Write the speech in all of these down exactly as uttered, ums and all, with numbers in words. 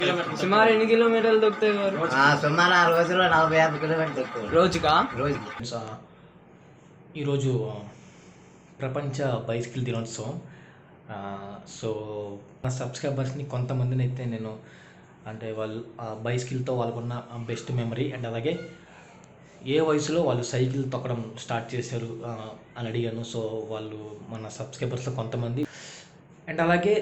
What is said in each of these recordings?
సుమారు ఎన్ని కిలోమీటర్లు దొక్కుతాయి గారు? సుమారు ఆ రోజులో నలభై యాభై కిలోమీటర్లు దొక్కుతాయి రోజుకా? రోజుకి. ఈరోజు ప్రపంచ బైసికల్ దినోత్సవం. సో నా సబ్స్క్రైబర్స్ని కొంతమందిని అయితే నేను అంటే వాళ్ళు ఆ బైసికల్తో వాళ్ళకున్న బెస్ట్ మెమరీ అండ్ అలాగే ఏ వయసులో వాళ్ళు సైకిల్ తొక్కడం స్టార్ట్ చేశారు అని అడిగాను. సో వాళ్ళు మన సబ్స్క్రైబర్స్లో కొంతమంది అండ్ అలాగే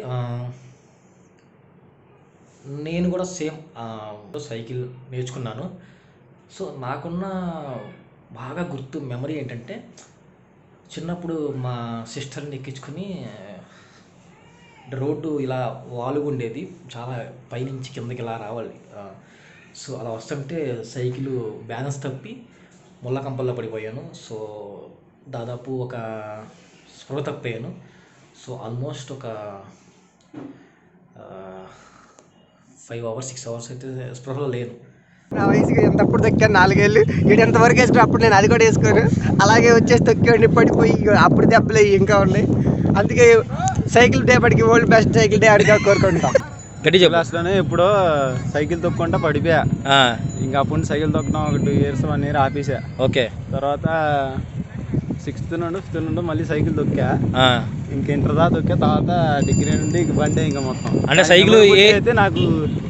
నేను కూడా సేమ్ సైకిల్ నేర్చుకున్నాను. సో నాకున్న బాగా గుర్తు మెమరీ ఏంటంటే చిన్నప్పుడు మా సిస్టర్ని ఎక్కించుకొని రోడ్డు ఇలా వాలుగా ఉండేది, చాలా పైనుంచి కిందకి ఇలా రావాలి. సో అలా వస్తుంటే సైకిల్ బ్యాలెన్స్ తప్పి ముళ్ళ కంపల్లో పడిపోయాను. సో దాదాపు ఒక స్పృహ తప్పాను. సో ఆల్మోస్ట్ ఒక ఫైవ్ అవర్స్ సిక్స్ అవర్స్ అయితే స్పృహలో లేను. నా వయసుకి ఎంతప్పుడు తొక్కాను నాలుగేళ్ళు, ఇటు ఎంతవరకు వేసుకుని అప్పుడు నేను అది కూడా వేసుకోను, అలాగే వచ్చేసి తొక్కేవాడిని. పడిపోయి అప్పుడు దెబ్బలు ఇంకా ఉన్నాయి. అందుకే సైకిల్ డే పడికి ఓల్డ్ బెస్ట్ సైకిల్ డే అడిగా కోరుకుంటాం. గట్టి క్లాస్లోనే ఎప్పుడో సైకిల్ తొక్కుంటా పడిపోయా. ఇంకా అప్పుడు సైకిల్ తొక్కడం ఒక టూ ఇయర్స్ వన్ ఇయర్ ఆపేసా. ఓకే. తర్వాత సిక్స్త్ నుండి ఫిఫ్త్ నుండి మళ్ళీ సైకిల్ తొక్కా. ఇంకా ఇంటర్ దా తొక్కా. తర్వాత డిగ్రీ నుండి బండి ఇంకా మొత్తం అంటే సైకిల్ అయితే నాకు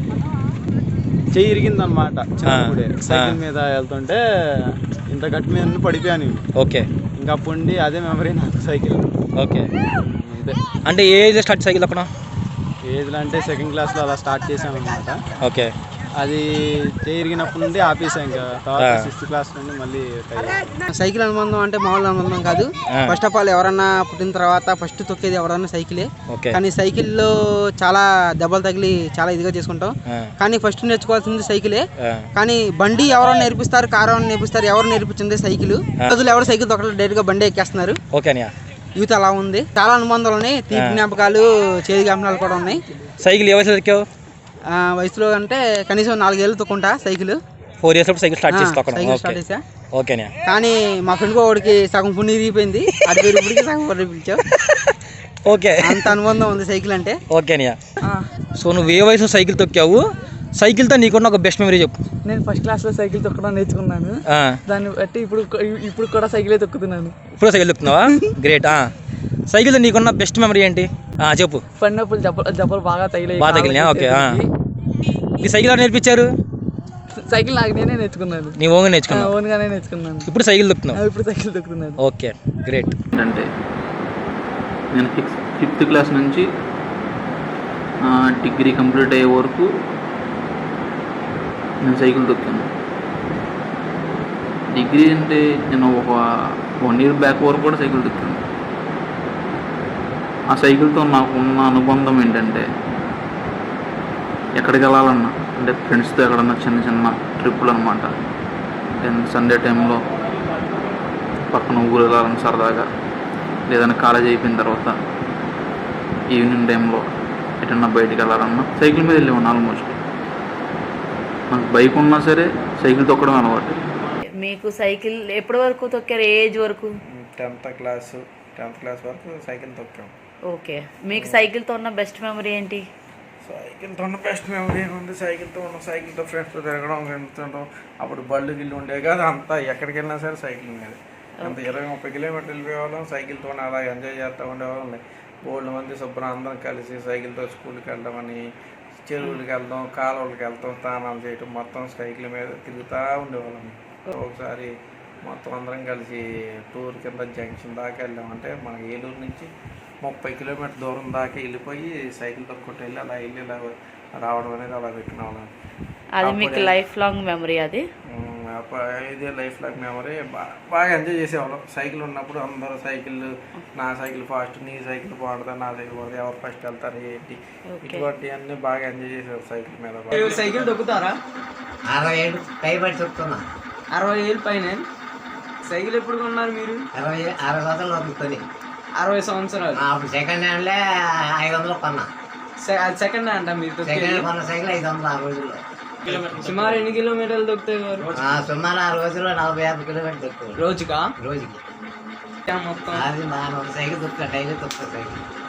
చెయ్యి ఇరిగింది అనమాట. చిన్నప్పుడే సైకిల్ మీద వెళ్తుంటే ఇంత గట్టి మీద పడిపోయాను. ఓకే. ఇంకా అప్పుడు అదే మెమరీ నాకు సైకిల్. ఓకే. ఇదే అంటే ఏ ఏజ్ స్టార్ట్ సైకిల్ అక్కడ? ఏజ్లో అంటే సెకండ్ క్లాస్లో అలా స్టార్ట్ చేసాం అనమాట. ఓకే. అది చేరిగినప్పటి నుండి ఆపేసాం. ఇంకా తర్వాత సిక్స్త్ క్లాస్ నుండి మళ్ళీ సైకిల్ అనుబంధం అంటే మామూలు అనుబంధం కాదు. ఫస్ట్ ఆఫ్ ఆల్ ఎవరన్నా పుట్టిన తర్వాత ఫస్ట్ తొక్కేది ఎవరన్నా సైకిలే. కానీ సైకిల్లో చాలా దెబ్బలు తగిలి చాలా ఇదిగా చేసుకుంటాం. కానీ ఫస్ట్ నేర్చుకోవాల్సింది సైకిలే. కానీ బండి ఎవరో నేర్పిస్తారు, కారు ఎవరు నేర్పిస్తారు, ఎవరు నేర్పించింది సైకిల్. రోజులు ఎవరు సైకిల్ తొక్కడం డైరెక్ట్ గా బండి ఎక్కేస్తున్నారు. యూత్ అలా ఉంది. చాలా అనుబంధాలు ఉన్నాయి, తీపి జ్ఞాపకాలు, చేదు జ్ఞాపకాలు కూడా ఉన్నాయి. సైకిల్ ఏ వయసులో ఎక్కావు? వయసులో అంటే కనీసం నాలుగేళ్ళు తొక్కుంటా cycle. Four years cycle start చేసి సైకిల్ స్టార్ట్ చేసా. ఓకేనా? కానీ మా ఫ్రెండ్ వాడికి సగం పుణ్యం ఇరిగిపోయింది, అది ఇప్పటికి సగం పుణ్యం పిలిచావు. ఓకే. అంత అనుబంధం ఉంది సైకిల్ అంటే. ఓకేనా? సో నువ్వు ఏ వయసులో సైకిల్ తొక్కావు? సైకిల్తో నీకున్న ఒక బెస్ట్ మెమరీ చెప్పు. నేను ఫస్ట్ క్లాస్లో సైకిల్ తొక్కడం నేర్చుకున్నాను. దాన్ని బట్టి ఇప్పుడు ఇప్పుడు కూడా సైకిలే తొక్కుతున్నాను. ఇప్పుడు సైకిల్ తొక్కుతున్నావా? గ్రేట్. సైకిల్తో నీకున్న బెస్ట్ మెమరీ ఏంటి చెప్పు. పడినప్పుడు జబ్బలు జబ్బలు బాగా తగిలాయి. బాగా తగిలినా? ఓకే. ఈ సైకిల్ ఎవరు నేర్పించారు? సైకిల్ నాకు నేనే నేర్చుకున్నాను. నీ ఓన్గా నేర్చుకున్నాను? ఓన్గానే నేర్చుకున్నాను. ఇప్పుడు సైకిల్ తొక్కుతున్నావు? ఇప్పుడు సైకిల్ తొక్కుతున్నాను. Okay, great. అంటే నేను ఫిఫ్త్ ఫిఫ్త్ క్లాస్ నుంచి డిగ్రీ కంప్లీట్ అయ్యే వరకు నేను సైకిల్ తొక్కాను. డిగ్రీ అంటే నేను ఒక వన్ ఇయర్ బ్యాక్ వరకు కూడా సైకిల్ తొక్కాను. ఆ సైకిల్తో నాకు ఉన్న అనుబంధం ఏంటంటే ఎక్కడికి వెళ్ళాలన్నా అంటే ఫ్రెండ్స్తో ఎక్కడన్నా చిన్న చిన్న ట్రిప్పులు అనమాట. సండే టైంలో పక్కన ఊరు వెళ్ళాలని సరదాగా, లేదన్నా కాలేజ్ అయిపోయిన తర్వాత ఈవినింగ్ టైంలో ఎటన్నా బయటికి వెళ్ళాలన్నా సైకిల్ మీద వెళ్ళేవాడిని. ఆల్మోస్ట్ నాకు బైక్ ఉన్నా సరే సైకిల్ తొక్కడం అలవాటు. మీకు సైకిల్ ఎప్పటి వరకు తొక్కారు? ఏజ్ వరకు? టెన్త్ క్లాస్ టెన్త్ క్లాస్ వరకు సైకిల్ తొక్కాం. ఓకే. మీకు సైకిల్తో ఉన్న బెస్ట్ మెమరీ ఏంటి? సైకిల్తో ఉన్న బెస్ట్ మెమరీ ఏముంది, సైకిల్తో ఉన్న సైకిల్తో ఫ్రెండ్స్తో తిరగడం, వెళ్తుంటాం. అప్పుడు బళ్ళు గిల్లు ఉండేవి కాదు, అంతా ఎక్కడికి వెళ్ళినా సరే సైకిల్ మీద అంత ఇరవై ముప్పై కిలోమీటర్లు వెళ్ళిపోయేవాళ్ళం. సైకిల్తో అలా ఎంజాయ్ చేస్తూ ఉండేవాళ్ళం. బోల్డ్ మంది శుభ్రం అందరం కలిసి సైకిల్తో స్కూల్కి వెళ్ళడం, చెరువులకి వెళ్దాం, కాలువలకి వెళ్తాం, స్నానాలు చేయటం, మొత్తం సైకిల్ మీద తిరుగుతూ ఉండేవాళ్ళం. ఒకసారి మొత్తం అందరం కలిసి టూర్ కింద జంక్షన్ దాకా వెళ్ళామంటే మనకి ఏలూరు నుంచి ముప్పై కిలోమీటర్ దూరం దాకా వెళ్ళిపోయి సైకిల్ తొక్కుంటూ వెళ్ళి అలా వెళ్ళి ఇలా రావడం అనేది అలా పెట్టిన వాళ్ళం. అది మీకు లైఫ్ లాంగ్ మెమరీ? అది ఇదే లైఫ్ లాంగ్ మెమరీ. బాగా ఎంజాయ్ చేసేవాళ్ళం. సైకిల్ ఉన్నప్పుడు అందరూ సైకిల్, నా సైకిల్ ఫాస్ట్, నీ సైకిల్ బాగుంటుంది, నా సైకిల్ బాగుంటుంది, ఎవరు ఫస్ట్ వెళ్తారు ఏంటి, ఇటువంటి అన్ని బాగా ఎంజాయ్ చేసేవారు సైకిల్ మీద. సైకిల్ తొక్కుతారా? అరవై ఏళ్ళు పైబడి తొక్కుతున్నా. అరవై ఏళ్ళు పైన సైకిల్ ఎప్పుడు కొన్నారు మీరు? అరవై అరవై సంవత్సరాలు అవుతుంది. అరవై సంవత్సరాలు. అప్పుడు సెకండ్ హ్యాండ్లే ఐదు వందలు కొన్నా. సెకండ్ హ్యాండ్ మీరు? సెకండ్ హ్యాండ్ కొన్న సైకిల్ ఐదు వందలు ఆ రోజుల్లో. సుమారు ఎన్ని కిలోమీటర్లు దొక్కుతాయి గారు? సుమారు ఆ రోజుల్లో నలభై యాభై కిలోమీటర్లు దొక్కుతాయి రోజుకా? రోజుకి. మొత్తం అది మా సైకిల్ తొక్కుతా, డైలీ తొక్కుతా సైకిల్.